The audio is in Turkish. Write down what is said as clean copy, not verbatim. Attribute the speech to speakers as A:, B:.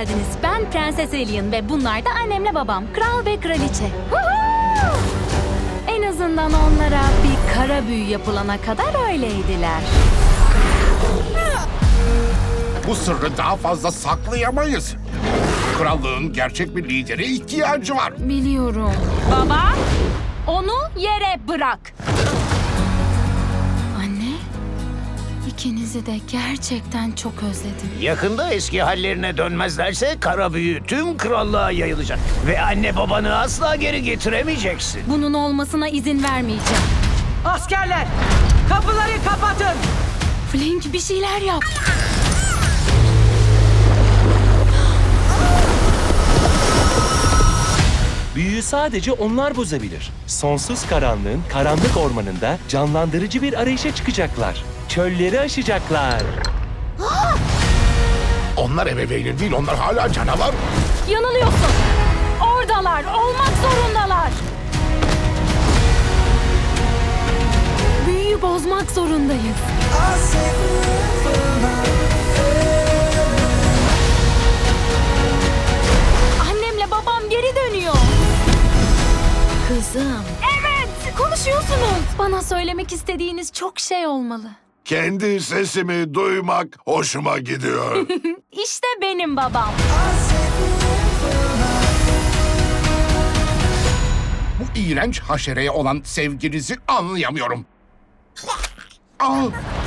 A: geldiniz. Ben Prenses Alien ve bunlar da annemle babam. Kral ve kraliçe. Woohoo! En azından onlara bir kara büyü yapılana kadar öyleydiler.
B: Bu sırrı daha fazla saklayamayız. Krallığın gerçek bir lidere ihtiyacı var.
A: Biliyorum. Baba, onu yere bırak. Anne, ikinizi de gerçekten çok özledim.
C: Yakında eski hallerine dönmezlerse kara büyü tüm krallığa yayılacak. Ve anne babanı asla geri getiremeyeceksin.
A: Bunun olmasına izin vermeyeceğim.
D: Askerler, kapıları kapatın.
A: Flink, bir şeyler yap.
E: Büyüyü sadece onlar bozabilir. Sonsuz karanlığın karanlık ormanında canlandırıcı bir arayışa çıkacaklar. Çölleri aşacaklar.
B: Onlar ebeveynin değil, onlar hala canavar.
A: Yanılıyorsun. Oradalar, olmak zorundalar. Büyüyü bozmak zorundayız. Annemle babam geri dönüyor. Kızım. Evet, konuşuyorsunuz. Bana söylemek istediğiniz çok şey olmalı.
B: Kendi sesimi duymak hoşuma gidiyor.
A: İşte benim babam.
B: Bu iğrenç haşereye olan sevginizi anlayamıyorum. Al.